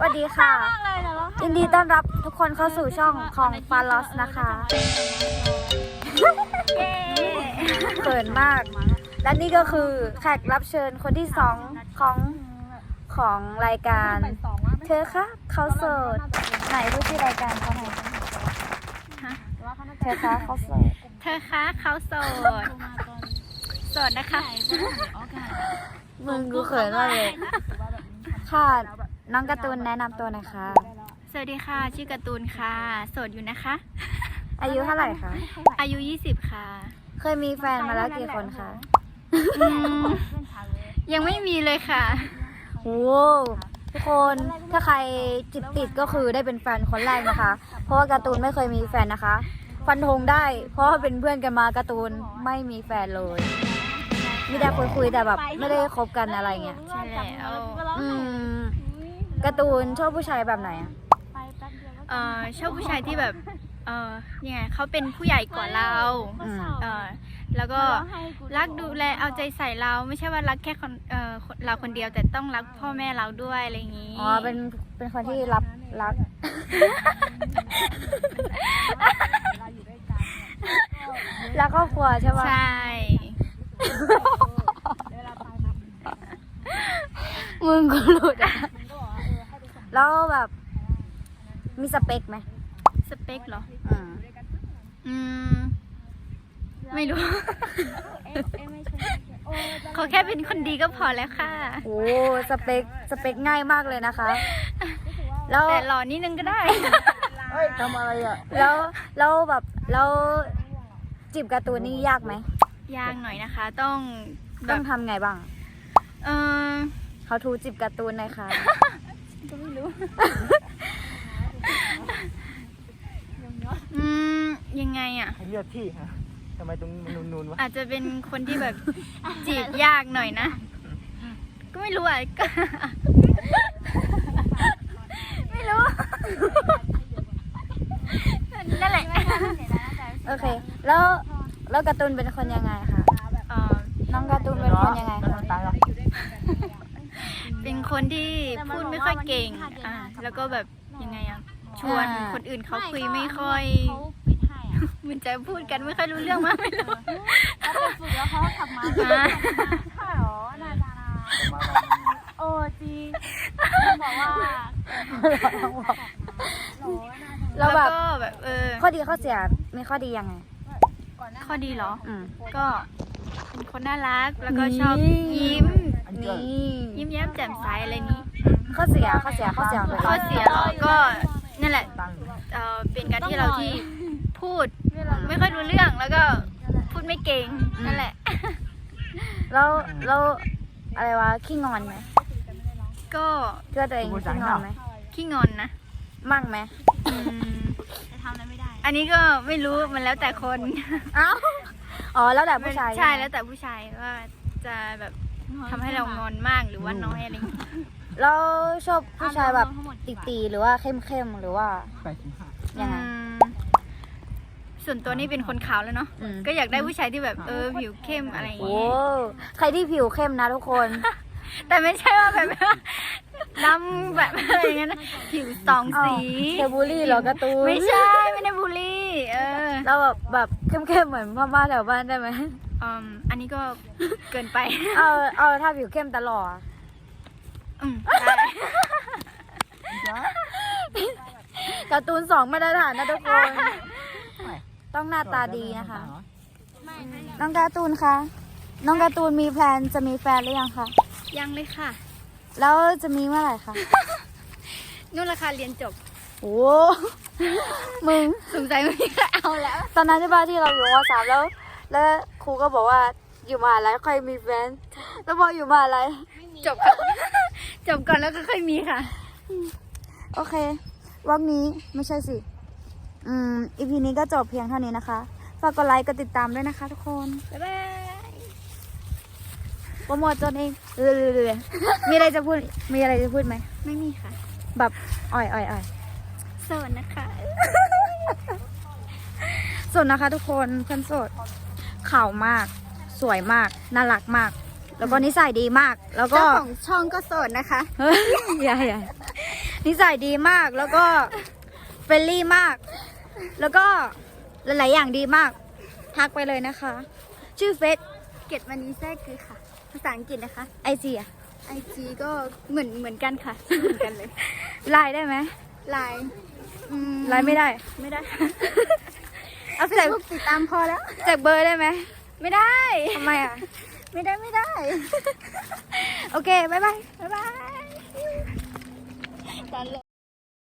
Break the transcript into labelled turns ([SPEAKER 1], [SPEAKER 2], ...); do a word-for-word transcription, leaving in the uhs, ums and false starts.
[SPEAKER 1] วัสดีค่ะยินดีต้อนรับทุกคนเข้าสู่ช่องของฟาลอสนะคะเขินมากและนี่ก็คือแขกรับเชิญคนที่สองของของรายการเธอคะเขาโสดไหนพูดที่รายการเขาหน่อยเธอคะเขาโสด
[SPEAKER 2] เธอคะเขาโสดโสดนะคะ
[SPEAKER 1] มึงกูเขินมากเลยค่ะน้องการ์ตูนแนะนำตัวหน่อยค่ะ
[SPEAKER 2] สวัสดีค่ะชื่อการ์ตูนค่ะโสดอยู่นะคะ
[SPEAKER 1] อายุเท่าไหร่คะ
[SPEAKER 2] อายุยี่สิบค่ะ
[SPEAKER 1] เคยมีแฟนมาแล้วกี่คนคะ
[SPEAKER 2] ยังไม่มีเลยค่ะ
[SPEAKER 1] โอ้ทุกคนถ้าใครจิตติดก็คือได้เป็นแฟนคนแรกนะคะเพราะว่าการ์ตูนไม่เคยมีแฟนนะคะฟันธงได้เพราะว่าเป็นเพื่อนกันมาการ์ตูนไม่มีแฟนเลยมีแต่คุยคุยแต่แบบไม่ได้คบกันอะไรเงี้ย
[SPEAKER 2] ใช่แล้ว
[SPEAKER 1] อืมการ์ตูนชอบผู้ชายแบบไหนอ่ะ
[SPEAKER 2] เออชอบผู้ชายที่แบบเออยังไงเขาเป็นผู้ใหญ่กว่าเราเออแล้วก็รักดูแลเอาใจใส่เราไม่ใช่ว่ารักแค่คนเออเราคนเดียวแต่ต้องรักพ่อแม่เราด้วยอะไรอย่างนี้
[SPEAKER 1] อ๋อเป็นเป็นคนที่รับรักรักครอบครัวใช่ปะ
[SPEAKER 2] ใช่
[SPEAKER 1] มึงก็หลุดอ่ะแล้วแบบมีสเปคไหม
[SPEAKER 2] สเปคเหรอ
[SPEAKER 1] อืม
[SPEAKER 2] อืมไม่รู้ขอแค่เป็นคนดีก็พอแล้วค่ะ
[SPEAKER 1] โอ้สเปคสเปคง่ายมากเลยนะคะ
[SPEAKER 2] แล้วแต่หล่อนิดนึงก็ได้
[SPEAKER 1] เฮ้ยทำอะไรอ่ะแล้วแล้วแบบแล้วจีบการ์ตูนนี่ยากไหม
[SPEAKER 2] ยากหน่อยนะคะต้อง
[SPEAKER 1] ต้องทำไงบ้าง
[SPEAKER 2] เออ
[SPEAKER 1] เขาทูจีบการ์ตูนหน่อยค่ะ
[SPEAKER 2] ก็ไม่รู้อืมยังไงอ่ะ
[SPEAKER 3] เลือกที่ฮะทำไมตรงนูนๆวะ
[SPEAKER 2] อาจจะเป็นคนที่แบบจีบยากหน่อยนะก็ไม่รู้อ่ะก็ไม่รู้นั่นแหละ
[SPEAKER 1] โอเคแล้วแล้วการ์ตูนเป็นคนยังไงคะน้องการ์ตูนเป็นคนยังไงคะ
[SPEAKER 2] เป็นคนที่พูดไม่ค่อยเก่งอ่าแล้วก็แบบยังไงอ่ะชวนคนอื่นเขาคุยไม่ค่อยเหมือนจะพูดกันไม่ค่อยรู้เรื่องมากไม่รู้
[SPEAKER 4] เขาไปฝึกแล้วเขาขับมาใช่หรอนาจาราโอ้จีบอกว่า
[SPEAKER 1] แล้วแบบ
[SPEAKER 2] แบบเออ
[SPEAKER 1] ข้อดีข้อเสียมีข้อดียังไง
[SPEAKER 2] ข้อดีเหรอ
[SPEAKER 1] อืม
[SPEAKER 2] ก็เป็นคนน่ารักแล้วก็ชอบยิ้ม
[SPEAKER 1] นี่
[SPEAKER 2] ยิ้มแย้มแจ่มใสอะไรนี้
[SPEAKER 1] ข้อเสียข้อเสียข้อเสีย
[SPEAKER 2] ข้อเสียก็นั่นแหละเออเป็นการที่เราที่พูดไม่ค่อยรู้เรื่องแล้วก็พูดไม่เก่งนั่นแหละ
[SPEAKER 1] แล้วแล้วอะไรวะขี้งอนไหม
[SPEAKER 2] ก็
[SPEAKER 1] เชื่อตัวเองขี้งอนไหม
[SPEAKER 2] ขี้งอนนะ
[SPEAKER 1] มั่งไหม
[SPEAKER 4] จะทำอะไรไม่ได้
[SPEAKER 2] อันนี้ก็ไม่รู้มันแล้วแต่คน
[SPEAKER 1] เอ้าอ๋อแล้วแต่ผู้ชาย
[SPEAKER 2] ใช่แล้วแต่ผู้ชายว่าจะแบบทำให้เรางอนมากหรือว่าน้อยอะไรอย่างเงี้ย
[SPEAKER 1] แล้วชอบผู้ชายแบบตีๆหรือว่าเข้มๆหรือว่ายังไง
[SPEAKER 2] ส่วนตัวนี่เป็นคนขาวแล้วเนาะก็อยากได้ผู้ชายที่แบบเออผิวเข้มอะไรอย่างเงี้ย
[SPEAKER 1] ใครที่ผิวเข้มนะทุกคน
[SPEAKER 2] แต่ไม่ใช่ว่าแบบดำแบบอะไรอย่างเงี้ยนะผิวสองสี
[SPEAKER 1] เทบูลี่เหรอการ์ตูน
[SPEAKER 2] ไม่ใช่ไม่ได้บูลลี่เออ
[SPEAKER 1] เราแบบแบบเข้มๆเหมือนพ่อบ้านแถวบ้านได้ไหม
[SPEAKER 2] อืมอันนี้ก็เกินไป
[SPEAKER 1] เอาเอาถ้าผิวเข้มตลอด
[SPEAKER 2] อืมได้
[SPEAKER 1] การ์ตูนสองมาตรฐานนะทุกคนต้องหน้าตาดีนะคะน้องการ์ตูนคะน้องการ์ตูนมีแพลนจะมีแฟนหรือยังคะ
[SPEAKER 2] ยังเลยค่ะ
[SPEAKER 1] แล้วจะมีเมื่อไหร่คะ
[SPEAKER 2] นู่นราคาเรียนจบ
[SPEAKER 1] โอ้มึง
[SPEAKER 2] สงสัยไม่มีใครเอาแล้ว
[SPEAKER 1] ตอนนั้นใช่ป่ะที่เราอยู่ม.สามแล้ว แล้วครูก็บอกว่าอยู่มหาลัยค่อยมีแฟนแล้วพออยู่มหาลัย
[SPEAKER 2] จบก่อนจบก่อนแล้วก็ค่อยมีค่ะ
[SPEAKER 1] โอเควันนี้ไม่ใช่สิอืมอีพีนี้ก็จบเพียงเท่านี้นะคะฝากกดไลค์กดติดตามด้วยนะคะทุกคน
[SPEAKER 2] บ๊ายบาย
[SPEAKER 1] โปรโมทตนเองเรื่อยๆมีอะไรจะพูดมีอะไรจะพูดไหม
[SPEAKER 2] ไม่มีค่ะ
[SPEAKER 1] แบบอ่อยอ่อยอ่อย
[SPEAKER 2] โสดนะคะ
[SPEAKER 1] โสดนะคะทุกคนเพื่อนโสดขาวมากสวยมากน่ารักมากแล้วก็นิสัยดีมากแล้วก็
[SPEAKER 2] เจ้าของช่องก็โสดนะคะ
[SPEAKER 1] เฮ้ยใหญ่นิสัยดีมากแล้วก็เฟรนลี่มาก แล้วก็หลาย ๆ อย่างดีมาก ทักไปเลยนะคะ ชื่อเฟซ
[SPEAKER 2] เกตวันนี้แทรกคือค่ะ ภาษาอังกฤษนะคะ
[SPEAKER 1] ไอจีอะ
[SPEAKER 2] ไอจีก็เหมือนเหมือนกันค่ะชื่อเหมือนกันเลย
[SPEAKER 1] ไลน์ได้ไหม
[SPEAKER 2] ไลน์อืม
[SPEAKER 1] ไลน์ไม่ได้
[SPEAKER 2] ไม่ได้
[SPEAKER 1] เอา
[SPEAKER 2] เฟ
[SPEAKER 1] แจ
[SPEAKER 2] ซ
[SPEAKER 1] ก
[SPEAKER 2] บุ๊กติดตามพอแล้ว
[SPEAKER 1] แจกเบอร์ได้ไหม
[SPEAKER 2] ไม่ได้
[SPEAKER 1] ทำไมอ่ะ
[SPEAKER 2] ไม่ได้ไม่ได้
[SPEAKER 1] โอเค บ๊ายบาย
[SPEAKER 2] บ๊ายบายตอนเลย